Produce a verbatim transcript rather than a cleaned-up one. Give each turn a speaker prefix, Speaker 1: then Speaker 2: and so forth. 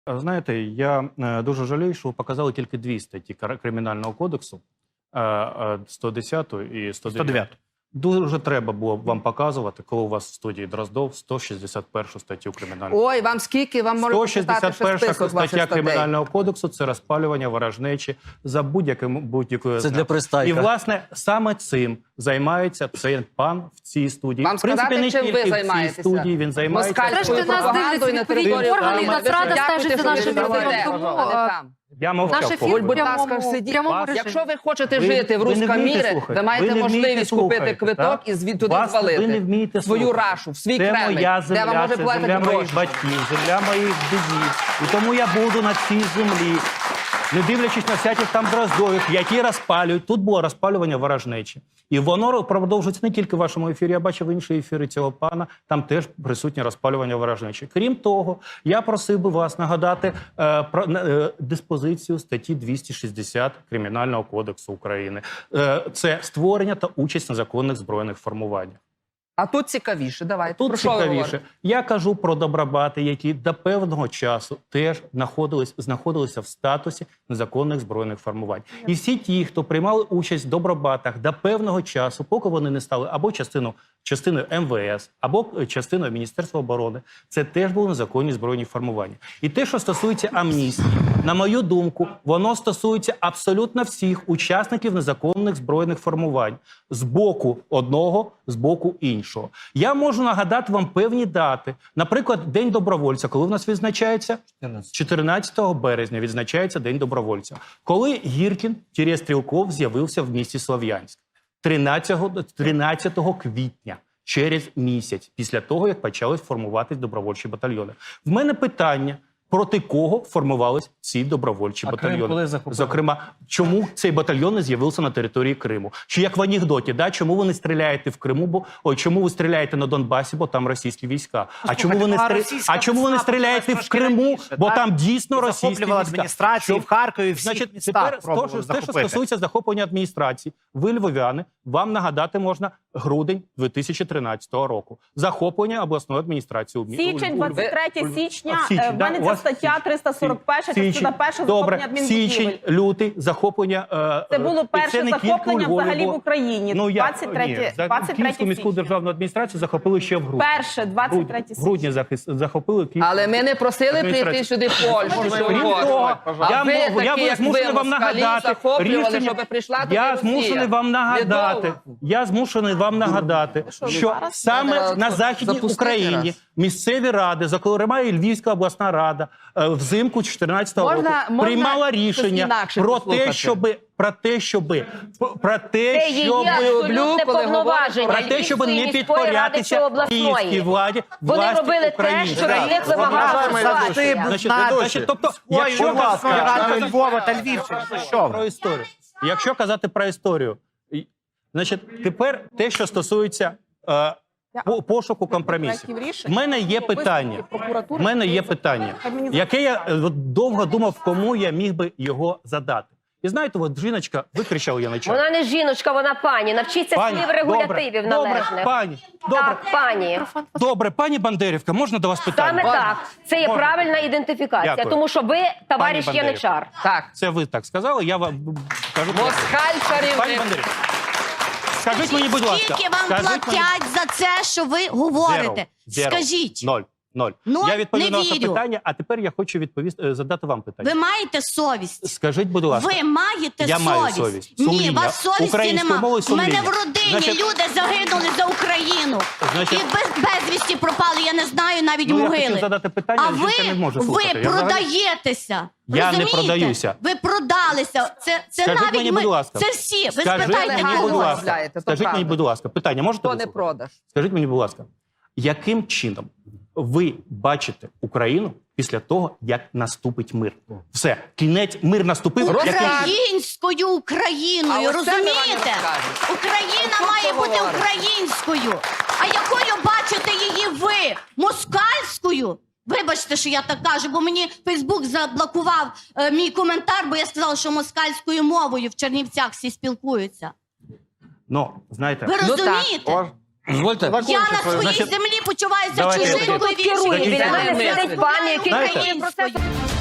Speaker 1: Знаєте, я дуже жалію, що ви показали тільки дві статті Кримінального кодексу, сто десяту і сто дев'яту. Дуже треба було б вам показувати, коли у вас в студії Дроздов сто шістдесят першу статтю Кримінального
Speaker 2: кодексу. Ой, вам скільки? Вам можна
Speaker 1: сто шістдесят перша стаття Кримінального кодексу – це розпалювання ворожнечі за будь-яким будь-якою.
Speaker 3: Це для пристайка.
Speaker 1: І, власне, саме цим займається цей пан в цій студії.
Speaker 2: Вам
Speaker 1: в принципі,
Speaker 2: сказати,
Speaker 1: не
Speaker 2: чим ви
Speaker 1: тільки в цій
Speaker 2: займаєтеся?
Speaker 1: студії він займається.
Speaker 2: Москальською пропагандою на території
Speaker 4: органів Нацрада стежить за нашим
Speaker 2: ефіром.
Speaker 1: Я мовчав.
Speaker 4: Наш ефір
Speaker 1: поки.
Speaker 2: Будь ласка, сидіть. Якщо ви хочете
Speaker 1: Ви-
Speaker 2: жити в
Speaker 1: ви не
Speaker 2: русском
Speaker 1: вмієте
Speaker 2: мірі,
Speaker 1: слухати.
Speaker 2: ви маєте
Speaker 1: Ви не вмієте
Speaker 2: можливість купити
Speaker 1: слухати,
Speaker 2: квиток
Speaker 1: так?
Speaker 2: і звідти туди
Speaker 1: Вас-
Speaker 2: звалити.
Speaker 1: ви не вмієте
Speaker 2: свою
Speaker 1: слухати.
Speaker 2: рашу, в свій
Speaker 1: Це
Speaker 2: Кремль,
Speaker 1: моя
Speaker 2: де вам
Speaker 1: земля,
Speaker 2: може
Speaker 1: це
Speaker 2: платити
Speaker 1: земля моїх
Speaker 2: гроші.
Speaker 1: батьків, земля моїх дідів. І тому я буду на цій землі, не дивлячись на всяких там Дроздових, які розпалюють. Тут було розпалювання ворожнечі. І воно продовжується не тільки в вашому ефірі, я бачив інші ефіри цього пана, там теж присутнє розпалювання ворожнечі. Крім того, я просив би вас нагадати е, про е, диспозицію статті двісті шістдесят Кримінального кодексу України. Е, це створення та участь в незаконних збройних формуваннях.
Speaker 2: А тут цікавіше, давайте.
Speaker 1: Тут
Speaker 2: Про що ви
Speaker 1: цікавіше.
Speaker 2: говорите?
Speaker 1: Я кажу про добробати, які до певного часу теж знаходились, знаходилися в статусі незаконних збройних формувань. І всі ті, хто приймали участь в добробатах до певного часу, поки вони не стали або частину, частиною ем ве ес, або частиною Міністерства оборони, це теж були незаконні збройні формування. І те, що стосується амністії, на мою думку, воно стосується абсолютно всіх учасників незаконних збройних формувань. З боку одного, з боку іншого. Я можу нагадати вам певні дати. Наприклад, День добровольця, коли в нас відзначається? чотирнадцятого березня відзначається День добровольця. Коли Гіркін, Стрілков з'явився в місті Слов'янськ? тринадцятого квітня. Через місяць після того, як почали формуватись добровольчі батальйони. В мене питання, проти кого формувались ці добровольчі
Speaker 3: А
Speaker 1: батальйони.
Speaker 3: Крим коли захопили?
Speaker 1: Зокрема, чому цей батальйон не з'явився на території Криму? Чи як в анекдоті, да? Чому ви не стріляєте в Криму, бо ой, чому ви стріляєте на Донбасі, бо там російські війська? А чому ви не стрі... а чому ви не стріляєте в Криму, бо там дійсно російські
Speaker 5: захоплювали
Speaker 1: війська?
Speaker 5: адміністрації в Харкові, всіх
Speaker 1: Значить,
Speaker 5: містах
Speaker 1: тепер то, що, те, що стосується захоплення адміністрації, ви, львов'яни, вам нагадати можна грудень дві тисячі тринадцятого року. Захоплення обласної адміністрації. у Львові.
Speaker 4: Січень, двадцять третє січня,
Speaker 1: А, січень,
Speaker 4: в
Speaker 1: да?
Speaker 4: мене
Speaker 1: У
Speaker 4: ця
Speaker 1: вас
Speaker 4: стаття триста сорок перша,
Speaker 1: Січень.
Speaker 4: частина перша,
Speaker 1: Добре,
Speaker 4: захоплення
Speaker 1: січень,
Speaker 4: адмінбудівель.
Speaker 1: лютий, захоплення... е,
Speaker 4: Це було
Speaker 1: е,
Speaker 4: перше
Speaker 1: не тільки у
Speaker 4: захоплення
Speaker 1: Львові,
Speaker 4: взагалі
Speaker 1: бо-
Speaker 4: в Україні.
Speaker 1: Ну, я,
Speaker 4: двадцять третє,
Speaker 1: ні,
Speaker 4: двадцять
Speaker 1: Київську
Speaker 4: третє
Speaker 1: міську
Speaker 4: січня.
Speaker 1: державну адміністрацію захопили ще в грудні.
Speaker 4: Перше, двадцять третє
Speaker 1: В грудні
Speaker 4: січня.
Speaker 1: захис- захопили Київську.
Speaker 2: Але ми не просили прийти
Speaker 1: Адміністрація.
Speaker 2: сюди в Польщу. чи
Speaker 1: Крім
Speaker 2: в
Speaker 1: того,
Speaker 2: А
Speaker 1: я,
Speaker 2: ви
Speaker 1: мов- я
Speaker 2: такі, як
Speaker 1: змушений
Speaker 2: ви,
Speaker 1: вам
Speaker 2: москалі,
Speaker 1: нагадати
Speaker 2: захоплювали,
Speaker 1: рішення.
Speaker 2: щоб прийшла туди
Speaker 1: Я
Speaker 2: Росія.
Speaker 1: змушений вам нагадати.
Speaker 2: Недовго.
Speaker 1: Я змушений вам нагадати, що
Speaker 4: зараз?
Speaker 1: саме
Speaker 2: Треба
Speaker 1: на Західній
Speaker 2: запустити
Speaker 1: Україні
Speaker 2: раз.
Speaker 1: місцеві ради, зокрема і Львівська обласна рада, е, взимку чотирнадцятого
Speaker 2: Можна-
Speaker 1: року
Speaker 2: можна
Speaker 1: приймала
Speaker 2: щось
Speaker 1: рішення
Speaker 2: інакше
Speaker 1: про
Speaker 2: послухати?
Speaker 1: те, щоби про те, щоби про те,
Speaker 4: Це її
Speaker 1: щоб
Speaker 4: абсолютне
Speaker 2: коли
Speaker 4: повноваження
Speaker 1: про те, щоб
Speaker 4: Львівської
Speaker 1: не
Speaker 4: міської ради чи
Speaker 1: підкорятися
Speaker 4: обласної.
Speaker 1: київській владі,
Speaker 4: Вони
Speaker 1: власті
Speaker 4: робили те,
Speaker 1: України.
Speaker 4: що від них вимагала ситуація.
Speaker 1: Значить, значить, тобто, якщо
Speaker 5: Будь ласка,
Speaker 1: казати-
Speaker 5: Ради Львова та Львівщини, що
Speaker 1: про
Speaker 5: ви?
Speaker 1: історію. Якщо казати про історію, і- значить, тепер те, що стосується е, по- пошуку компромісів. В мене є питання. В мене є питання, яке я е, от довго думав, кому я міг би його задати. І знаєте, от жіночка викричала я на чат.
Speaker 6: Вона не жіночка, вона пані. Навчіться
Speaker 1: Пані,
Speaker 6: слів регулятивів
Speaker 1: добре,
Speaker 6: належних.
Speaker 1: Добре, пані, добре,
Speaker 6: Так, пані.
Speaker 1: добре, пані Бандерівка, можна до вас питання?
Speaker 6: Саме так. Це є
Speaker 1: Можна.
Speaker 6: правильна ідентифікація.
Speaker 1: Дякую.
Speaker 6: Тому що ви, товариш
Speaker 1: Пані
Speaker 6: Яничар.
Speaker 2: Так.
Speaker 1: Це ви так сказали, я вам кажу.
Speaker 2: Москаль
Speaker 1: Пані
Speaker 2: царівник.
Speaker 1: Бандерівка, скажіть мені, будь ласка.
Speaker 7: Скільки вам
Speaker 1: скажіть мені-
Speaker 7: платять за це, що ви говорите?
Speaker 1: Zero. Zero.
Speaker 7: Скажіть.
Speaker 1: Ноль. Ноль.
Speaker 7: Ноль?
Speaker 1: Я відповів
Speaker 7: Не
Speaker 1: на ваше
Speaker 7: вірю.
Speaker 1: питання, а тепер я хочу відповісти, е, задати вам питання.
Speaker 7: Ви маєте совість?
Speaker 1: Скажіть, будь ласка.
Speaker 7: Ви маєте
Speaker 1: Я
Speaker 7: совість?
Speaker 1: маю совість.
Speaker 7: Ні,
Speaker 1: Сумління.
Speaker 7: у вас совісті
Speaker 1: Українською
Speaker 7: нема.
Speaker 1: мовою
Speaker 7: У мене
Speaker 1: сумління.
Speaker 7: в родині
Speaker 1: Значить-
Speaker 7: люди загинули за Україну.
Speaker 1: Значить-
Speaker 7: І без, безвісті пропали, я не знаю навіть
Speaker 1: Ну, я
Speaker 7: могили.
Speaker 1: хотів задати питання,
Speaker 7: а
Speaker 1: але жінка
Speaker 7: ви,
Speaker 1: не може
Speaker 7: ви
Speaker 1: слухати. Я взагалі-
Speaker 7: продаєтеся.
Speaker 1: Я не
Speaker 7: Розумієте?
Speaker 1: продаюся.
Speaker 7: Ви продалися. Це, це
Speaker 1: Скажіть
Speaker 7: навіть
Speaker 1: мені,
Speaker 7: ми,
Speaker 1: будь ласка.
Speaker 7: це всі. Ви
Speaker 1: Скажіть
Speaker 7: спитайте
Speaker 1: мені, будь
Speaker 7: когось.
Speaker 1: ласка.
Speaker 2: розмовляєте, то
Speaker 1: Скажіть мені,
Speaker 2: правда.
Speaker 1: будь ласка, питання можете
Speaker 2: То не
Speaker 1: послухати?
Speaker 2: продаж.
Speaker 1: Скажіть мені, будь ласка, яким чином ви бачите Україну після того, як наступить мир? Все, кінець, мир наступив.
Speaker 2: Росія-
Speaker 1: яким-
Speaker 7: Українською
Speaker 2: А
Speaker 7: Україною,
Speaker 2: ось це ми вам не
Speaker 7: розумієте?
Speaker 2: розкажемо.
Speaker 7: Україна
Speaker 2: Ось
Speaker 7: має
Speaker 2: що
Speaker 7: бути
Speaker 2: говорите.
Speaker 7: українською. А якою бачите її ви? Москальською? Вибачте, що я так кажу, бо мені Фейсбук заблокував е, мій коментар, бо я сказала, що москальською мовою в Чернівцях всі спілкуються.
Speaker 1: Ну, знаєте,
Speaker 7: Ви
Speaker 2: так.
Speaker 7: розумієте?
Speaker 3: Дозвольте.
Speaker 7: Я на своїй
Speaker 1: Значить,
Speaker 7: землі почуваюся
Speaker 1: давайте
Speaker 7: чужинкою
Speaker 1: так.
Speaker 7: в іншій
Speaker 6: Керує. Біля
Speaker 7: державі.
Speaker 6: мене сидить пані, який
Speaker 1: Знаєте-
Speaker 6: керує процесом.